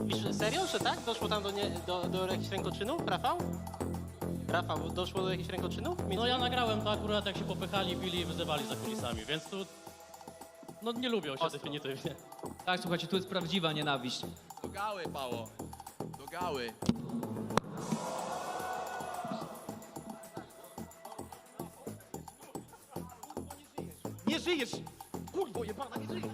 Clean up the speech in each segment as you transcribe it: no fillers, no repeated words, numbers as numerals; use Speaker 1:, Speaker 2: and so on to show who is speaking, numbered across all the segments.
Speaker 1: Mówisz serio, że tak? Doszło tam do jakichś rękoczynów, Rafał? Rafał, doszło do jakichś rękoczynów?
Speaker 2: No ja nagrałem to akurat, jak się popychali, bili i wyzywali za kulisami, więc tu... No nie lubią się definitywnie.
Speaker 3: Tak, słuchajcie, tu jest prawdziwa nienawiść.
Speaker 4: Do gały, Pało. Do gały.
Speaker 5: Nie żyjesz! Kurwo jebana, nie żyjesz!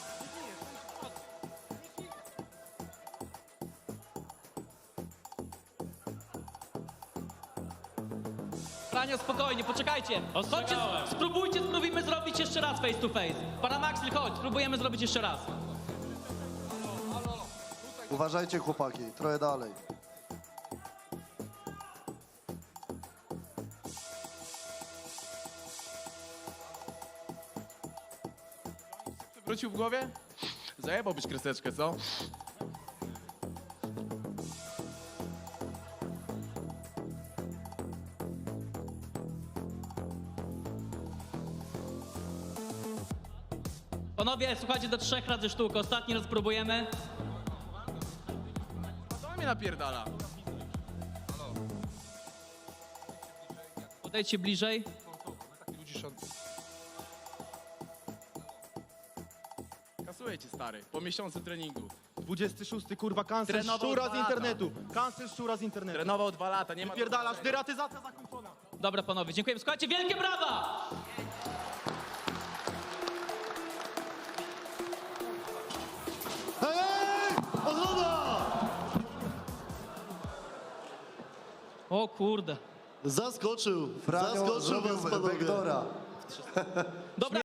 Speaker 3: Franio, spokojnie, poczekajcie. Chodźcie,
Speaker 2: Ostrzegałem.
Speaker 3: spróbujmy zrobić jeszcze raz face to face. Paramaxil, chodź, spróbujemy zrobić jeszcze raz.
Speaker 6: Uważajcie chłopaki, trochę dalej.
Speaker 4: Wrócił w głowie? Zajebałbyś kreseczkę, co?
Speaker 3: Panowie, słuchajcie, do 3 razy sztukę. Ostatni raz spróbujemy.
Speaker 4: Co mnie napierdala?
Speaker 3: Podejdźcie bliżej.
Speaker 4: Kasuję cię, stary. Po miesiącu treningu.
Speaker 5: 26, kurwa, cancel
Speaker 4: Trenował
Speaker 5: szczura
Speaker 4: 2
Speaker 5: z
Speaker 4: lata.
Speaker 5: internetu. Cancel szczura z internetu.
Speaker 4: Trenował 2 lata, nie ma...
Speaker 5: Pierdalasz, deratyzacja zakończona.
Speaker 3: Dobra, panowie, dziękujemy. Słuchajcie, wielkie brawa!
Speaker 6: Hej! Odroda!
Speaker 3: O kurde.
Speaker 6: Zaskoczył,
Speaker 7: Franio
Speaker 6: zaskoczył
Speaker 7: zrobił
Speaker 6: was panowie.
Speaker 7: Vektora.
Speaker 3: Dobra.